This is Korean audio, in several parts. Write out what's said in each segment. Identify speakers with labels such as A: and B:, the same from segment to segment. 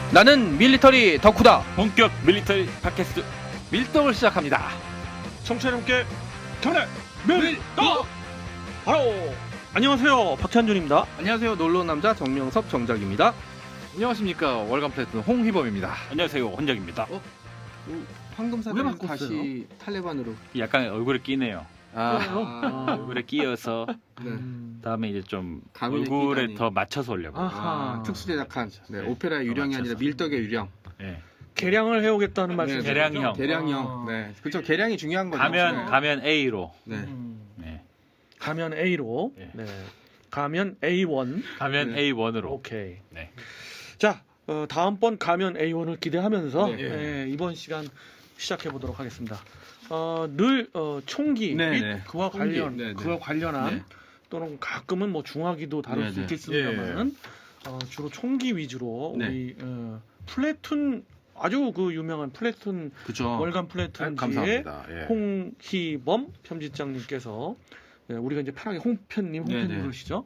A: 나는 밀리터리 덕후다.
B: 본격 밀리터리 팟캐스트 밀떡을 시작합니다.
C: 청취자 여러분께 경례 밀떡! 바로 안녕하세요, 박찬준입니다.
A: 안녕하세요. 놀러온 남자 정명섭 정작입니다.
B: 안녕하십니까, 월간 플래툰 홍희범입니다. 안녕하세요, 혼작입니다.
A: 황금사는
C: 바꿨어요?
A: 다시 탈레반으로.
B: 약간 얼굴에 끼네요. 얼굴에 끼어서
A: 네.
B: 다음에 이제 좀
A: 가면에
B: 얼굴에
A: 끼다니.
B: 더 맞춰서 올려고.
C: 아하.
A: 특수 제작한
B: 네,
A: 오페라의 유령이
B: 맞춰서.
A: 아니라 밀떡의 유령.
B: 네.
C: 개량을 해오겠다는 말씀.
B: 개량형.
A: 계량형. 네, 그렇죠. 계량이 중요한 거죠.
B: 가면 A로.
A: 네.
B: 네.
C: 가면 A로.
B: 네.
C: 네. 가면 A1.
B: 가면
A: 네.
B: A1으로.
C: 오케이.
B: 네.
C: 자, 다음번 가면 A1을 기대하면서
A: 네.
C: 이번 시간 시작해 보도록 하겠습니다. 늘 총기
A: 네,
C: 및
A: 네.
C: 그와
A: 총기.
C: 관련
A: 네, 네.
C: 그와 관련한
A: 네.
C: 또는 가끔은 뭐 중화기도 다룰
A: 네,
C: 수
A: 네.
C: 있겠습니다만은 주로 총기 위주로
A: 네.
C: 우리 플래툰 아주 그 유명한 플래툰
A: 그렇죠.
C: 월간 플래툰지의
B: 감사합니다. 예.
C: 홍희범 편집장님께서 우리가 이제 편하게 홍편님
A: 네, 네.
C: 부르시죠.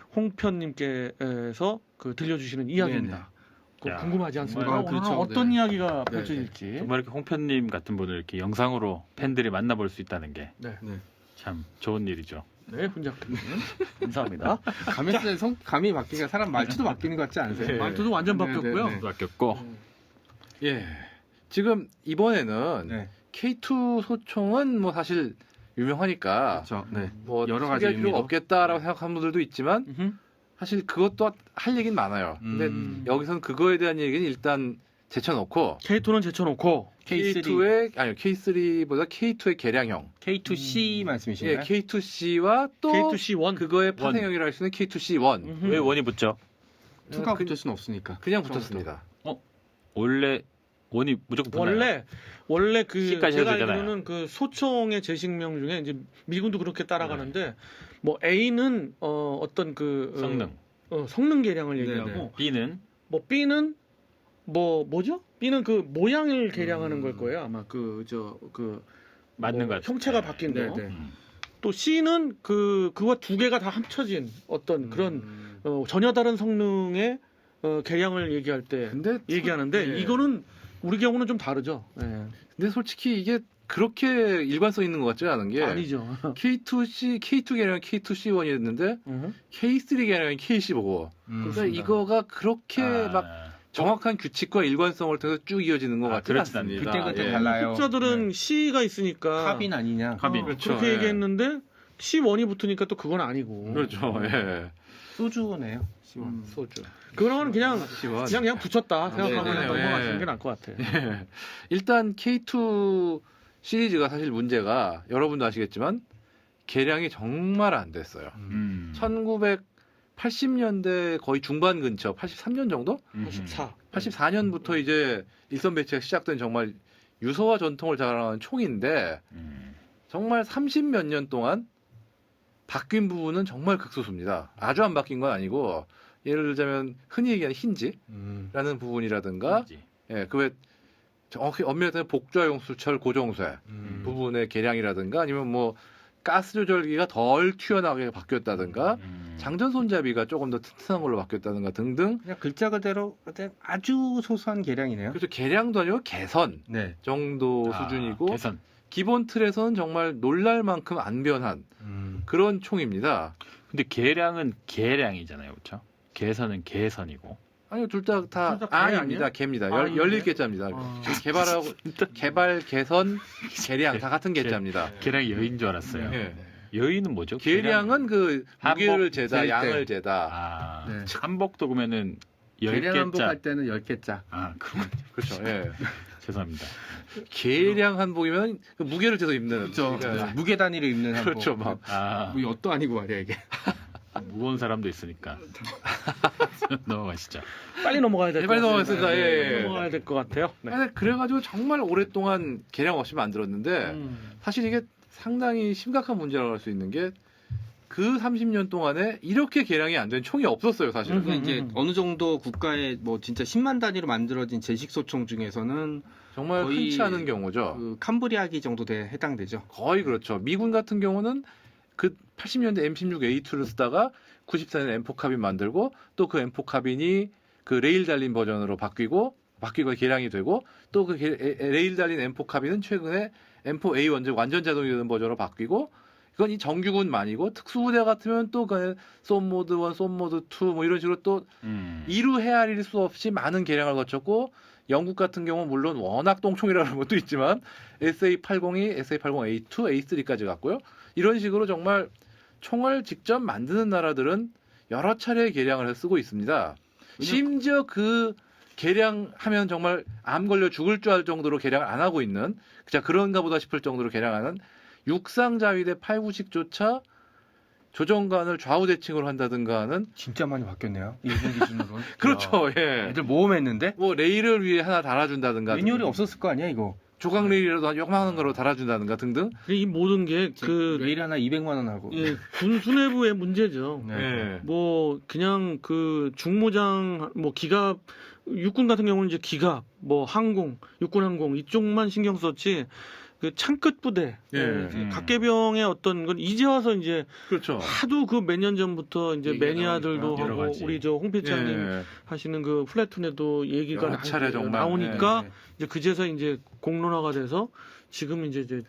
C: 홍편님께서 그 들려주시는 이야기입니다. 그거
B: 야,
C: 궁금하지 않습니까?
B: 정말,
C: 오늘
A: 그렇죠.
C: 어떤
A: 네.
C: 이야기가
A: 네,
C: 펼쳐질지.
B: 정말 이렇게 홍편님 같은 분을 이렇게 영상으로 팬들이 만나볼 수 있다는 게
C: 네,
B: 참 좋은 일이죠.
C: 네, 훈작님 감사합니다.
A: 감에 감이 바뀌니까 사람 말투도 바뀌는 것 같지 않으세요?
B: 네.
C: 말투도 완전
A: 네,
C: 바뀌었고요.
A: 네, 네.
B: 바뀌었고.
D: 예. 지금 이번에는
A: 네.
D: K2 소총은 뭐 사실 유명하니까
A: 그렇죠. 네.
D: 뭐
A: 여러 가지
D: 소개할 필요가
A: 의미로.
D: 없겠다라고 생각하는 분들도 있지만
C: 음흠.
D: 사실 그것도 할 얘기는 많아요. 근데 여기서는 그거에 대한 얘기는 일단 제쳐놓고
C: K2는 제쳐놓고
D: K2의 아니요 K3보다 K2의 개량형,
A: K2C 말씀이신가요?
D: 예 K2C와 또
C: K2C1
D: 그거의 파생형이라 할 수 있는 K2C1
B: 왜 원이 붙죠?
A: 투가 붙을 수는 없으니까.
D: 그냥 붙었습니다.
B: 원래 원이 무조건 붙나요?
C: 원래 그
B: C까지
C: 제가
B: 해도 되잖아요.
C: 알기로는 그 소총의 제식명 중에 이제 미군도 그렇게 따라가는데 뭐 A는 어떤 그 성능 개량을
A: 네,
C: 얘기하고
A: 네.
B: B는
C: 뭐 B는 뭐죠? B는 그 모양을 개량하는 걸 거예요. 아마
B: 맞는 것 같아요.
C: 형체가 바뀐 거.
A: 네, 네.
C: 또 C는 그와 두 개가 다 합쳐진 어떤 그런 전혀 다른 성능의 개량을 얘기할 때
D: 근데
C: 얘기하는데
D: 예.
C: 이거는 우리 경우는 좀 다르죠. 예.
D: 근데 솔직히 이게 그렇게 일관성 있는 것 같지 않은 게
C: 아니죠.
D: K2 개량은 K2C1이었는데 K3 개량은 K15고 그러니까
C: 그렇습니다.
D: 이거가 그렇게 막 정확한 규칙과 일관성을 통해서 쭉 이어지는 것 같지
B: 그렇진
D: 않습니다.
A: 그때 그때
D: 예.
A: 달라요.
C: 학자들은 C가 있으니까
A: 카빈 아니냐?
B: 카빈.
D: 그렇죠.
C: 그렇게
D: 예.
C: 얘기했는데 C1이 붙으니까 또 그건 아니고.
D: 그렇죠. 예.
A: 소주네요. C1.
D: 소주.
C: 그거는 그냥
D: C1.
C: 그냥 붙였다 생각하고
D: 네, 네,
C: 넘어가시는
D: 예.
C: 게 나을 것 같아.
D: 예. 일단 K2 시리즈가 사실 문제가 여러분도 아시겠지만 개량이 정말 안 됐어요. 1980년대 거의 중반 근처, 83년 정도?
C: 84.
D: 84년부터 이제 일선 배치가 시작된 정말 유서와 전통을 자랑하는 총인데 정말 30몇 년 동안 바뀐 부분은 정말 극소수입니다. 아주 안 바뀐 건 아니고 예를 들자면 흔히 얘기하는 힌지라는 부분이라든가 예, 그외 정확히 엄밀히 따지면 복좌용 수철 고정쇠 부분의 개량이라든가 아니면 뭐 가스 조절기가 덜 튀어나오게 바뀌었다든가 장전 손잡이가 조금 더 튼튼한 걸로 바뀌었다든가 등등
A: 그냥 글자 그대로 아주 소소한 계량이네요.
D: 그래서 개량도 아니고 개선
A: 네.
D: 정도 수준이고
B: 개선.
D: 기본 틀에서는 정말 놀랄 만큼 안 변한 그런 총입니다.
B: 근데 계량은 계량이잖아요, 그렇죠? 개선은 개선이고.
D: 아니요, 둘 다
C: 둘다 개
D: 아입니다.
C: 아니에요?
D: 개입니다.
C: 아,
D: 열릴
C: 이게?
D: 개자입니다.
C: 아.
D: 개발하고 개발, 개선, 개량 다 같은 개자입니다.
B: 계량이 여인 줄 알았어요.
D: 예.
B: 여인은 뭐죠?
D: 계량은 그
B: 한복
D: 무게를 재다,
A: 잴 때.
D: 양을 재다.
B: 아,
A: 네.
B: 한복도 그러면은
A: 계량
B: 10개짜.
A: 한복할 때는 10개짜.
B: 아, 그렇군요.
D: 그렇죠. 예.
B: 죄송합니다.
D: 계량 한복이면 그 무게를 재서 입는.
A: 그렇죠.
D: 그러니까
A: 무게 단위로 입는 한복.
D: 그렇죠. 막
B: 아,
A: 뭐 엿도 아니고 말이야 이게.
B: 무거운 사람도 있으니까. 넘어가시죠.
C: 빨리 넘어가야 될 것
D: 빨리
C: 같아요.
D: 넘어가겠습니다. 예, 예.
C: 넘어가야 될 것 같아요. 네.
D: 아니, 그래가지고 정말 오랫동안 개량 없이 만들었는데 사실 이게 상당히 심각한 문제라고 할 수 있는 게 그 30년 동안에 이렇게 개량이 안 된 총이 없었어요, 사실은.
A: 그러니까 이제 어느 정도 국가의 뭐 진짜 10만 단위로 만들어진 제식 소총 중에서는
D: 정말
A: 거의
D: 흔치 않은 경우죠.
A: 그 캄브리아기 정도 해당되죠.
D: 거의 그렇죠. 미군 같은 경우는 그 80년대 M16A2를 쓰다가 94년 M4 카빈 만들고 또 그 M4 카빈이 그 레일 달린 버전으로 바뀌고 개량이 되고 또 그 레일 달린 M4 카빈은 최근에 M4A1 완전 자동이 되는 버전으로 바뀌고 이건 이 정규군만이고 특수부대 같으면 또 그 쏜모드 1, 쏜모드 2 뭐 이런 식으로 또 이루 헤아릴 수 없이 많은 개량을 거쳤고 영국 같은 경우는 물론 워낙 똥총이라는 것도 있지만 SA-80이 SA-80A2, A3까지 갔고요. 이런 식으로 정말 총을 직접 만드는 나라들은 여러 차례 개량을 해서 쓰고 있습니다. 심지어 그 개량하면 정말 암 걸려 죽을 줄 알 정도로 개량을 안 하고 있는 그냥 그런가 보다 싶을 정도로 개량하는 육상 자위대 8구식조차 조정관을 좌우 대칭으로 한다든가 하는
A: 진짜 많이 바뀌었네요. 일본 기준으로는.
D: 그렇죠.
A: 야,
D: 예.
A: 애들 모험했는데
D: 뭐 레일을 위해 하나 달아준다든가
A: 매뉴얼이 없었을 거 아니야 이거.
D: 조각 레일이라도 한 요만한 거로 달아준다든가 등등.
C: 이 모든 게 그
A: 레일 하나 200만 원 하고.
C: 예, 군 수뇌부의 문제죠.
A: 네.
D: 예.
C: 뭐 그냥 그 중무장 뭐 기갑 육군 같은 경우는 이제 기갑 뭐 항공 육군 항공 이쪽만 신경 썼지 그 창끝 부대
D: 예.
C: 각계병의 어떤 건 이제 와서 이제
D: 그렇죠.
C: 하도 그 몇 년 전부터 이제
A: 얘기가
C: 매니아들도
A: 나오니까
B: 여러
C: 하고
B: 가지.
C: 우리 저 홍필장님
D: 예.
C: 하시는 그 플래툰에도 얘기가
D: 여러 차례 정말,
C: 나오니까
A: 네.
C: 이제 그제서 이제 공론화가 돼서 지금 이제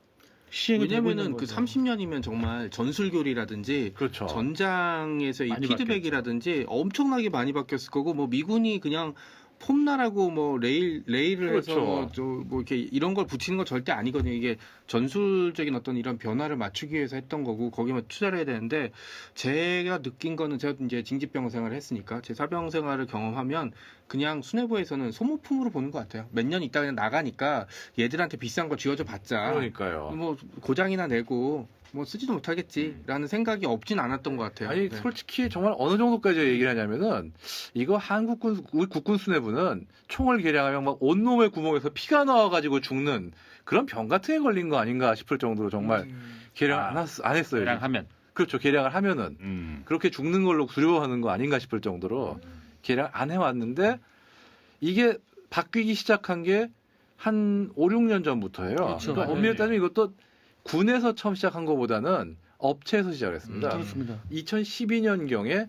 C: 시행이 되고 있는
A: 왜냐면은 그
C: 거죠.
A: 30년이면 정말 전술교리라든지
D: 그렇죠.
A: 전장에서 이
B: 많이
A: 피드백이라든지 엄청나게 많이 바뀌었을 거고 뭐 미군이 그냥 폼나라고 뭐 레일을 해서
D: 그렇죠.
A: 뭐 이렇게 이런 걸 붙이는 건 절대 아니거든요. 이게 전술적인 어떤 이런 변화를 맞추기 위해서 했던 거고 거기만 투자를 해야 되는데 제가 느낀 거는 제가 이제 징집병 생활을 했으니까 제 사병 생활을 경험하면 그냥 수뇌부에서는 소모품으로 보는 것 같아요. 몇 년 있다 그냥 나가니까 얘들한테 비싼 거 쥐어줘 봤자
D: 그러니까요.
A: 뭐 고장이나 내고 뭐 쓰지도 못하겠지라는 생각이 없진 않았던 것 같아요.
D: 아니
A: 네.
D: 솔직히 정말 어느 정도까지 얘기를 하냐면은 이거 한국군 우리 국군 수뇌부는 총을 개량하면 막 온몸의 구멍에서 피가 나와가지고 죽는 그런 병 같은 게 걸린 거 아닌가 싶을 정도로 정말 개량 안 했어요.
B: 개량하면.
D: 그렇죠. 개량을 하면은 그렇게 죽는 걸로 두려워하는 거 아닌가 싶을 정도로 개량 안 해왔는데 이게 바뀌기 시작한 게 한 5, 6년 전부터예요.
C: 그렇죠.
D: 그러니까 엄밀히 따지면 이것도 군에서 처음 시작한 것보다는 업체에서 시작했습니다.
C: 그렇습니다.
D: 2012년경에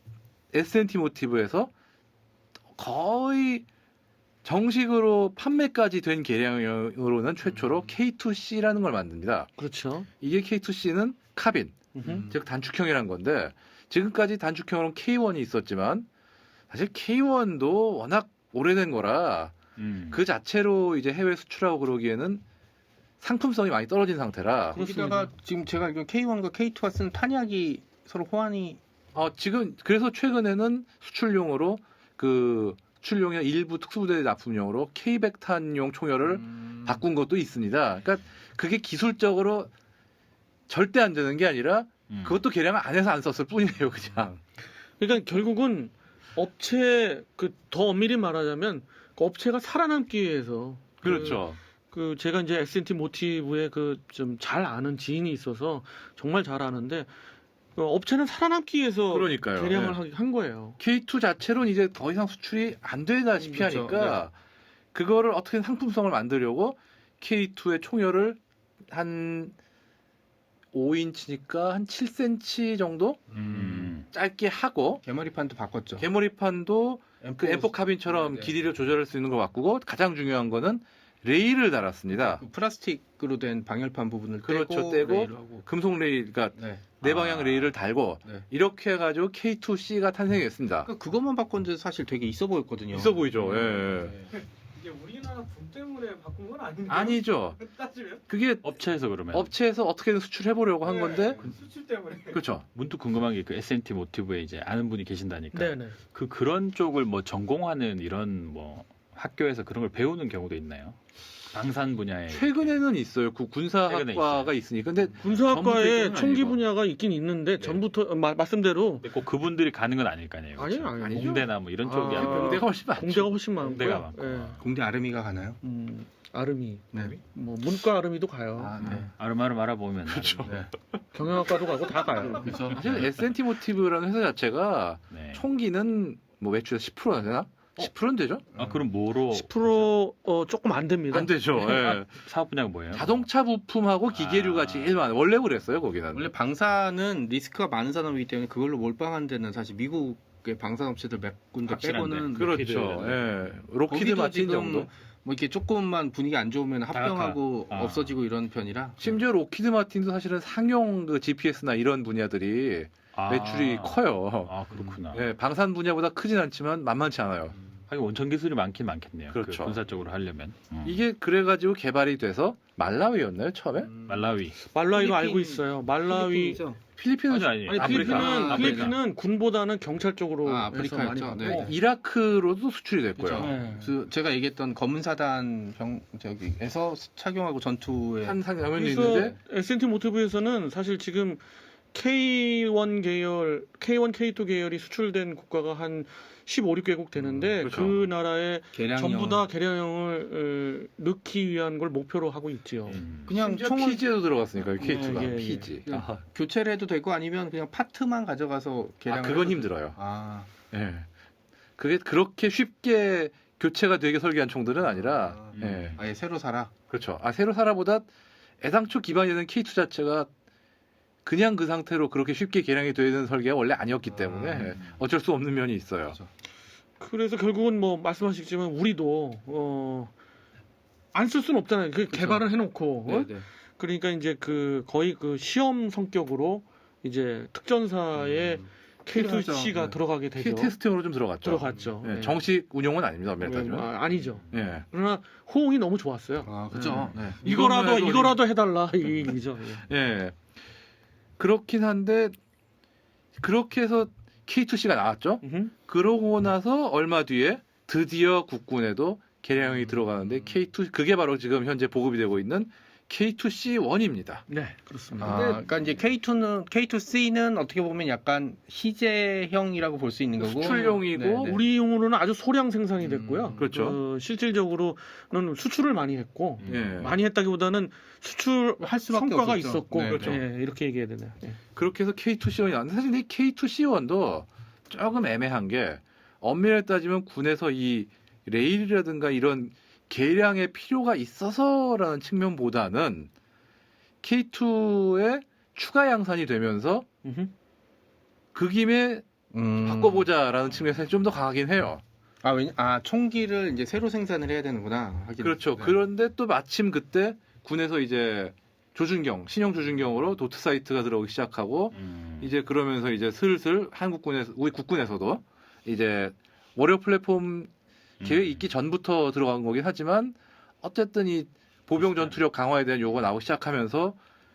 D: S&T 모티브에서 거의 정식으로 판매까지 된 개량으로는 최초로 K2C라는 걸 만듭니다.
C: 그렇죠.
D: 이게 K2C는 카빈, 즉 단축형이란 건데 지금까지 단축형으로는 K1이 있었지만 사실 K1도 워낙 오래된 거라 그 자체로 이제 해외 수출하고 그러기에는 상품성이 많이 떨어진 상태라
A: 거기다가 지금 제가 알기로 K1과 K2가 쓰는 탄약이 서로 호환이
D: 지금 그래서 최근에는 수출용으로 그 수출용의 일부 특수부대 납품용으로 K100탄용 총열을 바꾼 것도 있습니다. 그러니까 그게 기술적으로 절대 안 되는 게 아니라 그것도 개량을 안 해서 안 썼을 뿐이에요, 그냥.
C: 그러니까 결국은 업체 그 더 엄밀히 말하자면 그 업체가 살아남기 위해서
D: 그렇죠.
C: 그 제가 이제 S&T 모티브에 그 좀 잘 아는 지인이 있어서 정말 잘 아는데 그 업체는 살아남기 위해서
D: 그러니까요.
C: 개량을
D: 네.
C: 한 거예요.
D: K2 자체로는 이제 더 이상 수출이 안 되다시피
A: 그렇죠.
D: 하니까 그거를 어떻게 상품성을 만들려고 K2의 총열을 한 5인치니까 한 7cm 정도 짧게 하고
A: 개머리판도 바꿨죠.
D: 개머리판도 그 M4 카빈처럼
A: 네.
D: 길이를 조절할 수 있는 걸 바꾸고 가장 중요한 거는 레일을 달았습니다.
A: 그 플라스틱으로 된 방열판 부분을
D: 그렇죠,
A: 떼고
D: 떼고
A: 레일하고.
D: 금속 레일, 그러니까
A: 네.
D: 네 방향 레일을 달고
A: 네.
D: 이렇게 해가지고 K2C가 탄생했습니다.
A: 그러니까 그것만 바꿨는데 사실 되게 있어 보였거든요.
D: 있어 보이죠. 예.
A: 네.
C: 이게 우리나라 분 때문에 바꾼 건 아닌데.
D: 아니죠.
C: 따지면
D: 그게
B: 업체에서 그러면
D: 업체에서 어떻게든 수출해 보려고 한 건데
C: 수출 때문에.
D: 그렇죠.
B: 문득 궁금한 게 그 S&T 모티브에 이제 아는 분이 계신다니까
C: 네네.
B: 그런 쪽을 뭐 전공하는 이런 뭐 학교에서 그런 걸 배우는 경우도 있나요? 방산 분야에
D: 최근에는 있어요. 그
B: 최근에
D: 군사학과가 있으니까. 근데
C: 군사학과에
B: 전부터
C: 총기
B: 아니고.
C: 분야가 있긴 있는데 전부터 말씀대로
B: 근데 꼭 그분들이 가는 건 아닐 거 아니에요.
C: 아니요,
B: 그렇죠?
C: 아니죠.
B: 공대나 뭐 이런 쪽이
C: 아,
B: 아니고
D: 공대가 훨씬 많죠.
C: 공대가 훨씬 많고요.
B: 공대가 많고.
C: 예.
A: 공대 아르미가 가나요?
C: 아르미,
A: 네.
C: 뭐 문과 아르미도 가요.
A: 아, 네.
B: 아름아름 알아보면
D: 그렇죠.
A: 네.
C: 경영학과도 가고 다 가요.
A: 그래서
D: 사실 S&T 모티브라는 회사 자체가
B: 네.
D: 총기는 뭐 매출에서 10%나 되나? 10%는 되죠?
B: 아 그럼 뭐로
C: 10% 조금 안 됩니다.
D: 안 되죠. 예.
B: 사업 분야가 뭐예요?
D: 자동차 부품하고 기계류가
B: 아.
D: 제일 많아요. 원래 그랬어요, 거기는.
A: 원래 방사는 리스크가 많은 산업이기 때문에 그걸로 몰빵한 데는 사실 미국 그 방산업체들 몇 군데
B: 확실한데.
A: 빼고는
D: 그렇죠. 예. 로키드
A: 거기도
D: 마틴
A: 지금
D: 정도.
A: 뭐 이렇게 조금만 분위기 안 좋으면 합병하고
B: 아.
A: 없어지고 이런 편이라
D: 심지어 로키드 마틴도 사실은 상용 그 GPS나 이런 분야들이 매출이 커요.
B: 아 그렇구나.
D: 예, 방산 분야보다 크진 않지만 만만치 않아요.
B: 하긴 원천 기술이 많긴 많겠네요.
D: 그렇죠.
B: 그 군사적으로 하려면.
D: 이게 그래가지고 개발이 돼서 말라위였나요 처음에?
B: 말라위.
C: 말라위로
A: 필리핀-
C: 알고 있어요. 말라위
A: 필리핀이죠.
D: 필리핀은
B: 아니
C: 아니
B: 아프리카.
C: 필리핀은
B: 아프리카.
C: 필리핀은 군보다는 경찰 쪽으로
A: 아,
C: 해서
A: 아프리카였죠.
C: 많이 받고
A: 네.
D: 이라크로도 수출이 됐고요.
A: 그렇죠.
C: 네.
A: 제가 얘기했던 검은 사단 저기에서 착용하고 전투에
D: 한 장면이
C: 그래서
D: 있는데
C: S&T 모티브에서는 사실 지금 K1 계열, K1, K2 계열이 수출된 국가가 한 15, 16개국 되는데
D: 그렇죠.
C: 그 나라에
A: 개량형
C: 전부 다 개량형을 넣기 위한 걸 목표로 하고 있지요.
A: 그냥
D: 심지어
A: 총을
D: PG에도 들어갔으니까 K2가
C: 예, 예.
D: PG.
A: 그냥
D: 아,
A: 교체를 해도 되고 아니면 그냥 파트만 가져가서 개량을
D: 그건
A: 해도
D: 힘들어요.
A: 아,
D: 예. 그게 그렇게 쉽게 교체가 되게 설계한 총들은 아니라 예.
A: 아예 새로 사라.
D: 그렇죠. 아 새로 사라보다 애당초 기반이 되는 K2 자체가 그냥 그 상태로 그렇게 쉽게 개량이 되는 설계가 원래 아니었기 때문에 어쩔 수 없는 면이 있어요.
A: 그렇죠.
C: 그래서 결국은 뭐 말씀하시지만 우리도 안 쓸 수는 없잖아요. 그
A: 그쵸.
C: 개발을 해놓고
A: 네, 네.
C: 그러니까 이제 그 거의 그 시험 성격으로 이제 특전사에
A: 필요하죠.
C: K2C가
A: 네.
C: 들어가게 되죠.
D: 테스팅으로 좀 들어갔죠.
C: 들어갔죠.
D: 예,
C: 네.
D: 정식 운용은 아닙니다. 엄밀히 따지면.
C: 아니죠.
D: 예.
C: 그러나 호응이 너무 좋았어요.
A: 아, 그렇죠. 네.
C: 이거라도 해달라 이 얘기죠. 예.
D: 예. 그렇긴 한데 그렇게 해서 K2C가 나왔죠.
C: 음흠.
D: 그러고 나서 얼마 뒤에 드디어 국군에도 개량이 들어가는데 K2 그게 바로 지금 현재 보급이 되고 있는 K2C1입니다.
C: 네, 그렇습니다.
A: 아, 그러니까 이제 K2C는 어떻게 보면 약간 희재형이라고 볼 수 있는 거고
D: 수출용이고
A: 네, 네.
C: 우리용으로는 아주 소량 생산이 됐고요.
D: 그렇죠.
C: 실질적으로는 수출을 많이 했고
D: 예.
C: 많이 했다기보다는 수출
A: 할 수밖에
C: 성과가
A: 없었죠.
C: 있었고
A: 네,
D: 그렇죠.
C: 예, 이렇게 얘기해야 되네요. 예.
D: 그렇게 해서 K2C1이 나왔는데 사실 이 K2C1도 조금 애매한 게 엄밀히 따지면 군에서 이 레일이라든가 이런 개량의 필요가 있어서라는 측면보다는 K2의 추가 양산이 되면서
C: 음흠.
D: 그 김에 바꿔보자라는 측면에서 좀 더 강하긴 해요.
A: 총기를 이제 새로 생산을 해야 되는구나. 하긴.
D: 그렇죠.
A: 네.
D: 그런데 또 마침 그때 군에서 이제 조준경, 신형 조준경으로 도트 사이트가 들어오기 시작하고 이제 그러면서 이제 슬슬 한국군에서 우리 국군에서도 이제 워리어 플랫폼 계획이 있기 전부터 들어간 거긴 하지만 어쨌든 이 보병 전투력 강화에 대한 요구가 나오기 시작하면서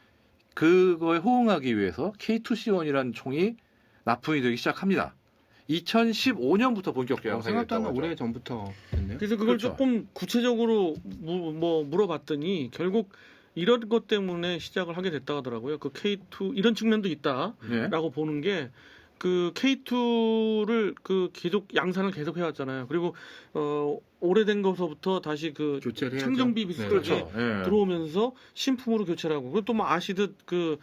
D: 그거에 호응하기 위해서 K2C1이라는 총이 납품이 되기 시작합니다. 2015년부터 본격 개량이
A: 생각도 안
D: 됐다고
A: 오래
D: 하죠.
A: 전부터 됐네요.
C: 그래서 그걸
D: 그렇죠.
C: 조금 구체적으로 물어봤더니 결국 이런 것 때문에 시작을 하게 됐다 하더라고요. 그 K2 이런 측면도 있다라고
D: 예.
C: 보는 게 그 K2를 그 계속 양산을 계속 해왔잖아요. 그리고 오래된 것서부터 다시 그
A: 교체를 해야죠.
C: 창정비 비슷하게
D: 그렇죠. 예.
C: 들어오면서 신품으로 교체를 하고 그리고 또 뭐 아시듯 그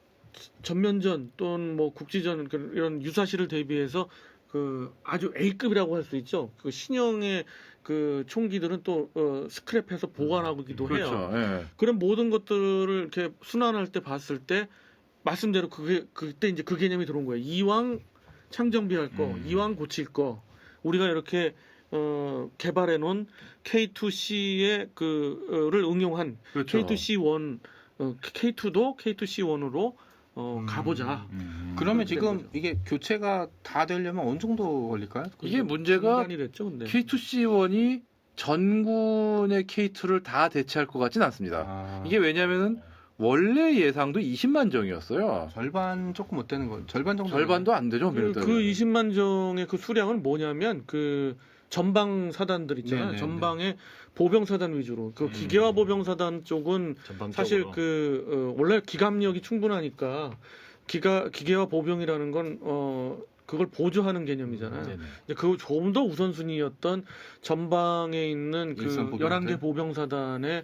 C: 전면전 또는 뭐 국지전 이런 유사시를 대비해서 그 아주 A급이라고 할 수 있죠. 그 신형의 그 총기들은 또 스크랩해서 보관하기도 해요.
D: 그렇죠. 예.
C: 그런 모든 것들을 이렇게 순환할 때 봤을 때 말씀대로 그때 이제 그 개념이 들어온 거예요. 이왕 창정비할 거, 이왕 고칠 거, 우리가 이렇게 개발해 놓은 K2C의 그를 응용한
D: 그렇죠.
C: K2C1, K2도 K2C1으로 가보자.
A: 그러면
C: 그런
A: 지금
C: 거죠.
A: 이게 교체가 다 되려면 어느 정도 걸릴까요?
D: 이게 문제가
C: 중단이 됐죠, 근데.
D: K2C1이 전군의 K2를 다 대체할 것 같진 않습니다. 이게 왜냐면은 원래 예상도 20만 정이었어요.
A: 절반 조금 못 되는 거. 절반 정도.
D: 절반도 안 되죠.
C: 그 20만 정의 그 수량은 뭐냐면 그 전방 사단들 있잖아요.
A: 네네네.
C: 전방의 보병 사단 위주로. 그 기계화 보병 사단 쪽은 사실 원래 기갑력이 충분하니까 기계화 보병이라는 건 그걸 보조하는 개념이잖아요. 이제 그 조금 더 우선순위였던 전방에 있는 그
A: 일선 보병들.
C: 11개 보병 사단의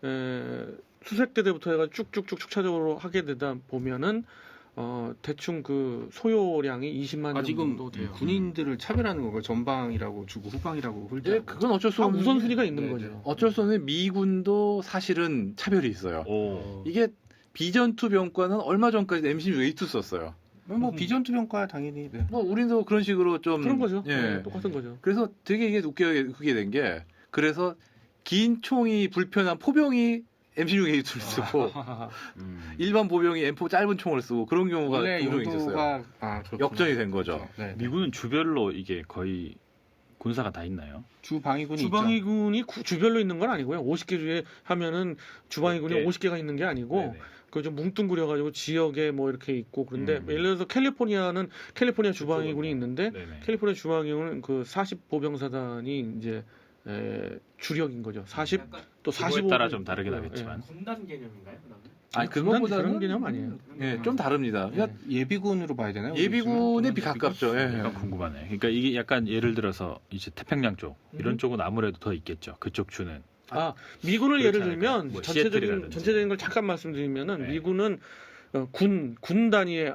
C: 수색대대부터 해가 쭉쭉쭉 축차적으로 하게 되다 보면은 대충 그 소요량이 20만
A: 지금
C: 정도 돼요.
A: 군인들을 차별하는 건가요? 전방이라고 주고 후방이라고 훌지.
D: 예, 그건 어쩔 수
C: 다
D: 없는
C: 우선순위가 있는
A: 네,
C: 거죠.
D: 어쩔 수 없는 미군도 사실은 차별이 있어요.
B: 오.
D: 이게 비전투 병과는 얼마 전까지 MC 웨이트 썼어요.
A: 뭐 비전투 평가 당연히. 네.
D: 뭐 우리도 그런 식으로 좀
C: 그런 거죠.
D: 예.
C: 네, 똑같은 거죠.
D: 그래서 되게 이게 웃기게 된 게 그래서 긴 총이 불편한 포병이 M16A2를 쓰고 일반 보병이 M4 짧은 총을 쓰고 그런 경우가
A: 원래
D: 종종 있었어요.
A: 용도가 그렇구나.
D: 역전이 된 거죠.
A: 네.
B: 미군은 주별로 이게 거의 군사가 다 있나요?
A: 주방위군이 있죠.
C: 주방위군이 주별로 있는 건 아니고요. 50개 주에 하면은 주방위군이
B: 네.
C: 50개가 있는 게 아니고
B: 네네.
C: 그 좀 뭉뚱그려가지고 지역에 뭐 이렇게 있고 그런데 예를 들어서 캘리포니아는 캘리포니아 주방위군이 있는데
B: 네네.
C: 캘리포니아 주방위군은 그 40 보병사단이 이제 주력인 거죠. 40 또
B: 규모에
C: 45
B: 따라 좀 다르긴 하겠지만.
E: 군단 개념인가요? 그다음에?
D: 아니
C: 그런
D: 그것보다는
C: 개념 아니에요.
D: 예, 좀 다릅니다. 그러니까
A: 예비군으로 봐야 되나요?
D: 예비군에 가깝죠. 예.
B: 약간 궁금하네. 그러니까 이게 약간 예를 들어서 이제 태평양 쪽 이런 쪽은 아무래도 더 있겠죠. 그쪽 주는.
C: 미군을
B: 그렇지
C: 예를 들면
B: 않을까요? 뭐 시애틀이라든지.
C: 전체적인 걸 잠깐 말씀드리면은
B: 네.
C: 미군은 군 단위의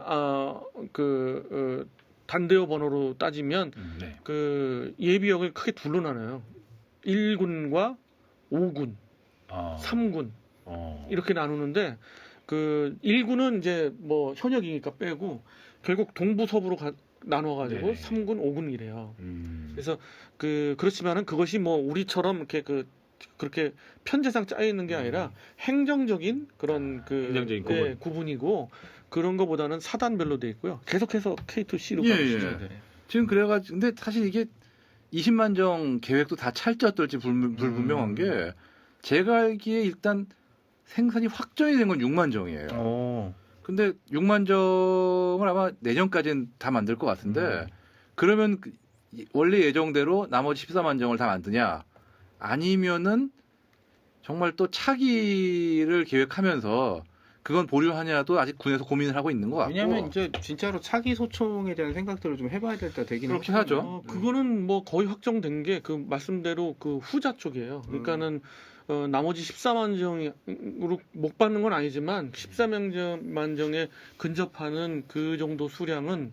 C: 단대어 번호로 따지면
B: 네.
C: 그 예비역을 크게 둘로 나눠요. 1군과 5군,
B: 어,
C: 3군
B: 어.
C: 이렇게 나누는데 그 1군은 이제 뭐 현역이니까 빼고 결국 동부 서부로 나눠가지고
B: 네네.
C: 3군, 5군이래요.
B: 그래서
C: 그래서 그렇지만은 그것이 뭐 우리처럼 이렇게 그렇게 편제상 짜여 있는 게 아니라 행정적인 그런
B: 행정적인 구분.
C: 구분이고 그런 거보다는 사단별로 돼 있고요. 계속해서 K2C로
D: 예,
C: 가시죠.
D: 예.
C: 네.
D: 지금 그래가지고 근데 사실 이게 20만 정 계획도 다 찰지 어떨지 불분명한 게 제가 알기에 일단 생산이 확정이 된 건 6만 정이에요. 근데 6만 정을 아마 내년까지는 다 만들 것 같은데 그러면 원래 예정대로 나머지 14만 정을 다 만드냐 아니면은 정말 또 차기를 계획하면서 그건 보류하냐도 아직 군에서 고민을 하고 있는 것 같고
A: 왜냐하면 이제 진짜로 차기 소총에 대한 생각들을 좀 해봐야 될 때 되긴
D: 그렇긴
A: 하거든요.
D: 하죠.
C: 그거는 뭐 거의 확정된 게 그 말씀대로 그 후자 쪽이에요. 그러니까는 나머지 14만 정으로 못 받는 건 아니지만 14만 정에 근접하는 그 정도 수량은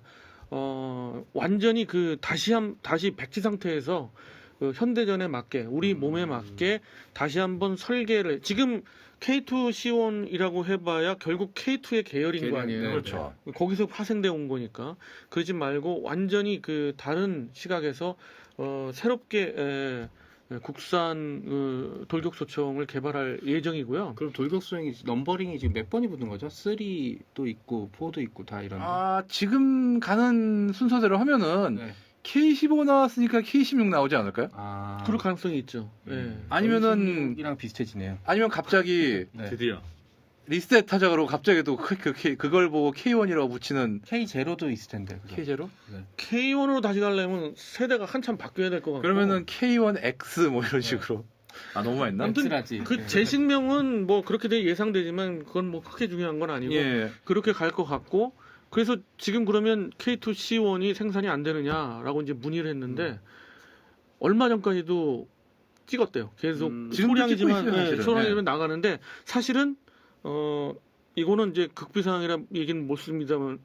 C: 완전히 그 다시 백지 상태에서 현대전에 맞게 우리 몸에 맞게 다시 한번 설계를 지금 K2C1이라고 해봐야 결국 K2의 계열인 거 아니에요.
A: 네,
D: 그렇죠.
C: 거기서 파생돼 온 거니까 그러지 말고 완전히 그 다른 시각에서 새롭게 국산 돌격소총을 개발할 예정이고요.
A: 그럼 돌격수행이 넘버링이 지금 몇 번이 붙은 거죠? 3도 있고 4도 있고 다 이런.
D: 지금 가는 순서대로 하면은
A: 네.
D: K15 나왔으니까 K16 나오지 않을까요?
C: 그럴 가능성이 있죠.
D: 아니면은
A: 이랑 비슷해지네요.
D: 아니면 갑자기
A: 네.
B: 드디어
D: 리셋 하자고 갑자기 또 그걸 보고 K1이라고 붙이는
A: K0도 있을 텐데. 그죠?
D: K0?
C: K1으로 다시 가려면 세대가 한참 바뀌어야 될 것 같고.
D: 그러면은 K1X 뭐 이런 식으로. 너무 많이 했나?
C: 아무튼
A: 엑스라지.
C: 그
A: 네.
C: 재식명은 뭐 그렇게 예상되지만 그건 뭐 크게 중요한 건 아니고
D: 예.
C: 그렇게 갈 것 같고 그래서 지금 그러면 K2C1이 생산이 안 되느냐라고 이제 문의를 했는데 얼마 전까지도 찍었대요. 계속
D: 지금도
C: 소량이지만
D: 찍고 있어요, 사실은.
C: 소량이면 나가는데 사실은 이거는 이제 극비상이라 얘기는 못 씁니다만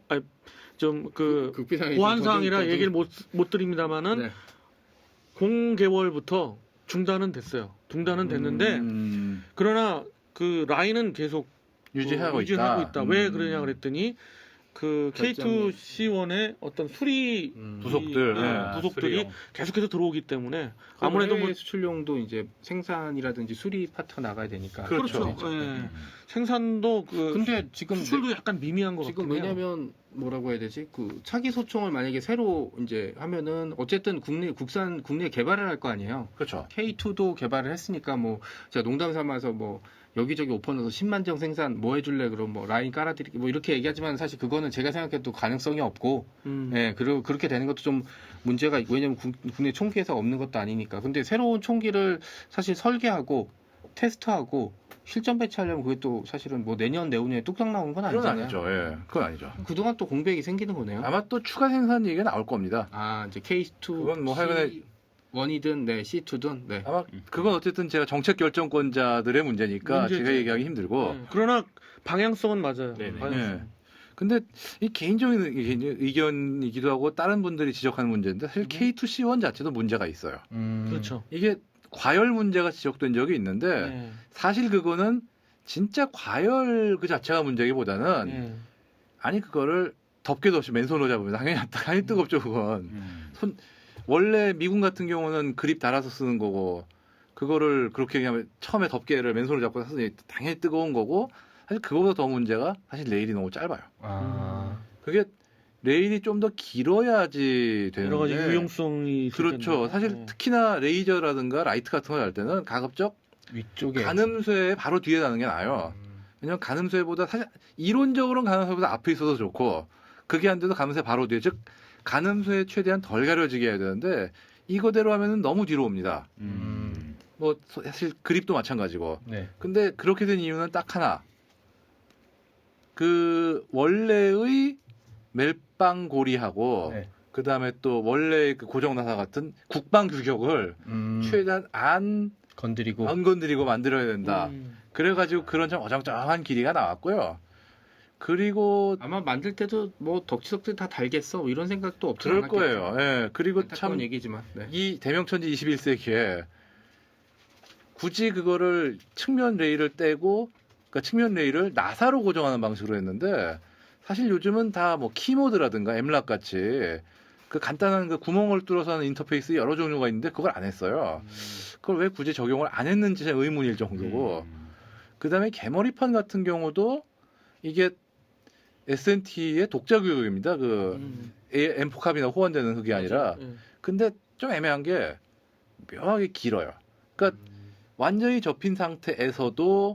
A: 극비상이
C: 보안 사항이라
A: 더듬-
C: 얘기를 못 드립니다만은
A: 네.
C: 공개월부터 중단은 됐어요. 중단은 됐는데 그러나 그 라인은 계속
D: 유지하고 있다.
C: 왜 그러냐 그랬더니 그
A: 결정이-
C: K2C1의 어떤 수리
D: 부속들,
C: 부속들이
B: 수리용.
C: 계속해서 들어오기 때문에
A: 아무래도
C: 아무래도 뭐
A: 수출용도 이제 생산이라든지 수리 파트가 나가야 되니까.
C: 그렇죠.
A: 그렇죠.
C: 예. 생산도
A: 근데 지금
C: 수출도 약간 미미한 것
A: 지금
C: 같긴 해요.
A: 왜냐면 뭐라고 해야 되지? 그 차기 소총을 만약에 새로 이제 하면은 어쨌든 국내 개발을 할 거 아니에요.
D: 그렇죠.
A: K2도 개발을 했으니까 뭐 제가 농담 삼아서 뭐 여기저기 오퍼 넣어서 10만 정 생산 뭐 해줄래 그럼 뭐 라인 깔아드릴게 뭐 이렇게 얘기하지만 사실 그거는 제가 생각해도 가능성이 없고 예 그리고 그렇게 되는 것도 좀 문제가 있고 왜냐면 국내 총기회사가 없는 것도 아니니까 근데 새로운 총기를 사실 설계하고 테스트하고 실전 배치하려면 그게 또 사실은 뭐 내후년에 뚝딱 나오는 건
D: 그건
A: 아니잖아요.
D: 아니죠. 예. 그건 아니죠.
A: 그동안 또 공백이 생기는 거네요.
D: 아마 또 추가 생산 얘기가 나올 겁니다.
A: 이제 K2
D: 그건 뭐 하여간에
A: C1이든 C2든 네.
D: 아마 그건 어쨌든 제가 정책 결정권자들의 문제니까
C: 문제죠.
D: 제가 얘기하기 힘들고.
C: 그러나 방향성은 맞아요.
B: 네네.
C: 방향성.
D: 예. 근데 이 개인적인 의견이기도 하고 다른 분들이 지적하는 문제인데 사실 K2C1 자체도 문제가 있어요.
C: 그렇죠.
D: 이게 과열 문제가 지적된 적이 있는데
C: 예.
D: 사실 그거는 진짜 과열 그 자체가 문제기보다는
C: 예.
D: 아니 그거를 덮개도 없이 맨손으로 잡으면 당연히 뜨겁죠 그건. 원래 미군 같은 경우는 그립 달아서 쓰는 거고 그거를 그렇게 그냥 처음에 덮개를 맨손으로 잡고 썼으니 당연히 뜨거운 거고 사실 그거보다 더 문제가 사실 레일이 너무 짧아요. 그게 레일이 좀 더 길어야지 되는데
C: 여러 가지 유용성이 있을
D: 그렇죠.
C: 텐데.
D: 사실
C: 네.
D: 특히나 레이저라든가 라이트 같은 걸 할 때는 가급적
A: 위쪽에
D: 가늠쇠 바로 뒤에 나는 게 나아요. 왜냐면 가늠쇠보다 사실 이론적으로는 가늠쇠보다 앞에 있어서 좋고 그게 안 돼도 가늠쇠 바로 뒤에 즉 가늠쇠에 최대한 덜 가려지게 해야 되는데 이거대로 하면은 너무 뒤로 옵니다. 뭐 사실 그립도 마찬가지고.
A: 네.
D: 근데 그렇게 된 이유는 딱 하나. 그 원래의 멜빵고리하고
A: 네.
D: 그 다음에 또 원래 그 고정나사 같은 국방 규격을 최대한 안
A: 건드리고
D: 건드리고 만들어야 된다. 그래가지고 그런 좀 어정쩡한 길이가 나왔고요. 그리고
A: 아마 만들 때도 뭐 덕지덕지 다 달겠어 뭐 이런 생각도 없지
D: 그럴
A: 않았겠죠.
D: 거예요. 예. 그리고
A: 안타까운
D: 참
A: 얘기지만 네.
D: 이 대명천지 21세기에 굳이 그거를 측면 레일을 떼고 그러니까 측면 레일을 나사로 고정하는 방식으로 했는데 사실 요즘은 다 뭐 키모드라든가 엠락 같이 그 간단한 그 구멍을 뚫어서 하는 인터페이스 여러 종류가 있는데 그걸 안 했어요. 그걸 왜 굳이 적용을 안 했는지 의문일 정도고 그다음에 개머리판 같은 경우도 이게 S&T의 독자 규격입니다. 그 M4캅이나 호환되는 그게 아니라 근데 좀 애매한 게 묘하게 길어요. 그러니까 완전히 접힌 상태에서도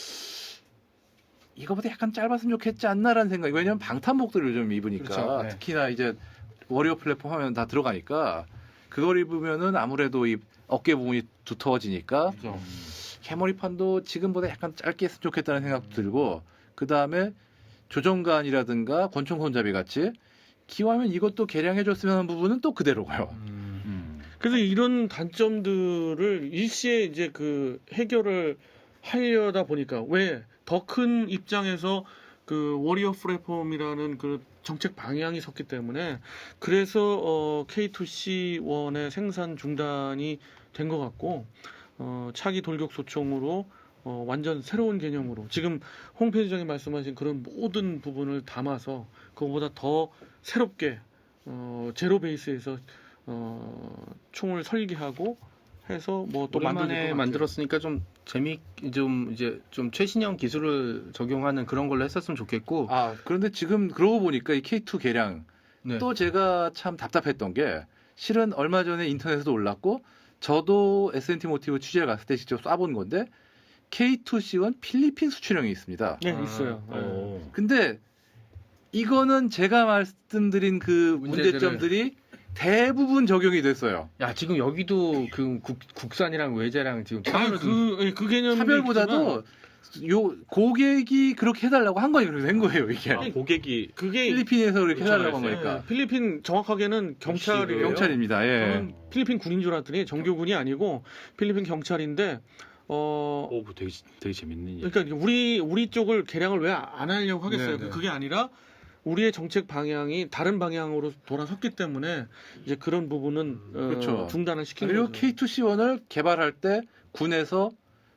D: 이거보다 약간 짧았으면 좋겠지 않나라는 생각이 왜냐면 방탄복들을 요즘 입으니까
A: 그렇죠. 네.
D: 특히나 이제 워리어 플랫폼 하면 다 들어가니까 그걸 입으면은 아무래도 이 어깨 부분이 두터워지니까
A: 그렇죠.
D: 개머리판도 지금보다 약간 짧게 했으면 좋겠다는 생각도 들고 그 다음에 조정관이라든가 권총 손잡이 같이 기왕이면 이것도 개량해줬으면 하는 부분은 또 그대로고요.
C: 그래서 이런 단점들을 일시에 이제 그 해결을 하려다 보니까 왜 더 큰 입장에서 그 워리어 플랫폼이라는 그 정책 방향이 섰기 때문에 그래서 K2C1의 생산 중단이 된 것 같고 차기 돌격 소총으로 완전 새로운 개념으로 지금 홈페이지장에 말씀하신 그런 모든 부분을 담아서 그거보다 더 새롭게 제로 베이스에서 총을 설계하고 해서 뭐 또
A: 오랜만에 만들었으니까 좀 이제 좀 최신형 기술을 적용하는 그런 걸로 했었으면 좋겠고.
D: 아 그런데 지금 그러고 보니까 이 K2 개량
A: 네.
D: 또 제가 참 답답했던 게 실은 얼마 전에 인터넷에도 올랐고 저도 S&T 모티브 취재를 갔을 때 직접 쏴본 건데 K2C1 필리핀 수출형이 있습니다.
C: 네 있어요.
D: 근데 이거는 제가 말씀드린 그 문제점들이 대부분 적용이 됐어요.
A: 야 지금 여기도 그 국산이랑 외제랑 지금
C: 아니 그 개념이
D: 차별보다도 요 고객이 그렇게 해달라고 한 거예요. 그래서 된 거예요 이게.
B: 고객이
C: 그게
D: 필리핀에서 그렇게 해달라고 한
B: 그렇죠.
D: 거니까.
C: 필리핀 정확하게는 경찰이에요.
D: 경찰입니다. 예.
C: 저는 필리핀 군인 줄 알았더니 정교군이 아니고 필리핀 경찰인데
B: 오, 되게 재밌는 얘기.
C: 그러니까 우리 쪽을 개량을 왜 안 하려고 하겠어요.
A: 네, 네.
C: 그게 아니라 우리의 정책 방향이 다른 방향으로 돌아섰기 때문에 이제 그런 부분은
D: 그렇죠.
C: 중단을 시킨
D: 그리고
C: 거죠.
D: K2C1을 개발할 때 군에서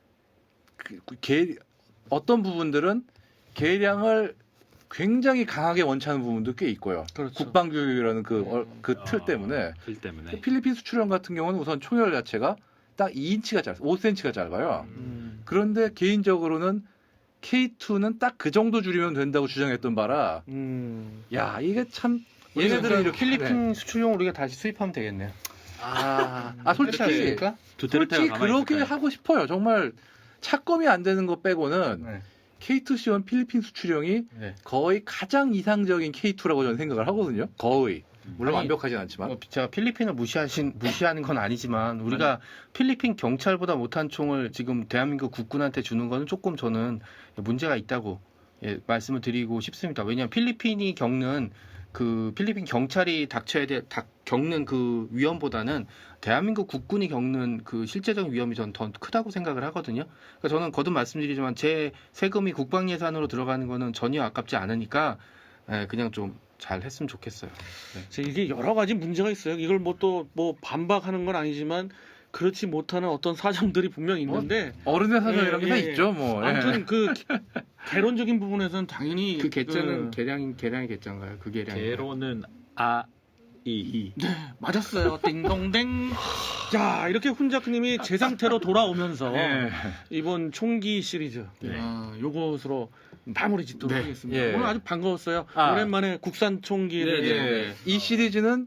D: 어떤 부분들은 개량을 굉장히 강하게 원치하는 부분도 꽤 있고요.
C: 그렇죠.
D: 국방교육이라는 그 틀 때문에
B: 틀 때문에.
D: 필리핀 수출형 같은 경우는 우선 총열 자체가 딱 2인치가 짧아요. 5cm가 짧아요. 그런데 개인적으로는 K2는 딱 그 정도 줄이면 된다고 주장했던 바라 야 이게 참 얘네들은 이렇게
A: 필리핀 수출용 우리가 다시 수입하면 되겠네요.
D: 솔직히 그렇게 하고 싶어요. 정말 착검이 안 되는 거 빼고는
A: 네.
D: K2C1 필리핀 수출형이
A: 네.
D: 거의 가장 이상적인 K2라고 저는 생각을 하거든요. 거의. 물론
A: 아니,
D: 완벽하진 않지만.
A: 제가 필리핀을 무시하는 건 아니지만 우리가 필리핀 경찰보다 못한 총을 지금 대한민국 국군한테 주는 거는 조금 저는 문제가 있다고 말씀을 드리고 싶습니다. 왜냐하면 필리핀이 겪는 그 필리핀 경찰이 겪는 그 위험보다는 대한민국 국군이 겪는 그 실제적인 위험이 전 더 크다고 생각을 하거든요. 그러니까 저는 거듭 말씀드리지만 제 세금이 국방 예산으로 들어가는 거는 전혀 아깝지 않으니까 그냥 좀 잘 했으면 좋겠어요. 네.
C: 이게 여러 가지 문제가 있어요. 이걸 뭐 반박하는 건 아니지만 그렇지 못하는 어떤 사정들이 분명 있는데
D: 어른의 사정이라는 게 다
C: 예.
D: 있죠. 뭐.
C: 아무튼 그 개론적인 부분에서는 당연히
A: 그 개자는 계량의 개자인가요? 그 계량.
B: 개로는 이.
C: 네, 맞았어요. 띵동댕. 자, 이렇게 훈작님이 제 상태로 돌아오면서
B: 네.
C: 이번 총기 시리즈
B: 네.
C: 요것으로 마무리 짓도록
A: 네.
C: 하겠습니다.
D: 예.
C: 오늘 아주 반가웠어요.
D: 아.
C: 오랜만에 국산 총기를
D: 예. 이 시리즈는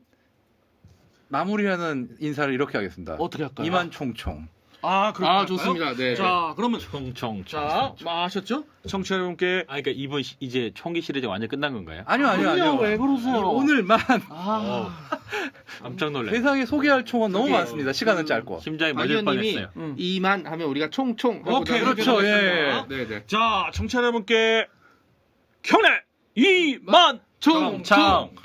D: 마무리하는 인사를 이렇게 하겠습니다.
C: 어떻게 할까요?
D: 이만 총총.
C: 그럴까요?
A: 좋습니다. 네.
C: 자, 그러면
B: 총총.
C: 자, 아셨죠? 청취자 여러분께
B: 그러니까 이번 이제 총기 시리즈 완전 끝난 건가요?
D: 아니요.
C: 왜 그러세요?
D: 오늘만
B: 깜짝 놀래.
D: 세상에 소개할 총은 너무 많습니다. 시간은 짧고.
B: 심장이
A: 박
B: 멎을
A: 의원님이
B: 뻔했어요.
A: 이만 하면 우리가 총총.
C: 오케이,
D: 그렇죠.
C: 그렇게
D: 예.
C: 하겠습니다.
A: 네네.
C: 자, 청취자 여러분께 경례 2만
A: 총.
B: 총.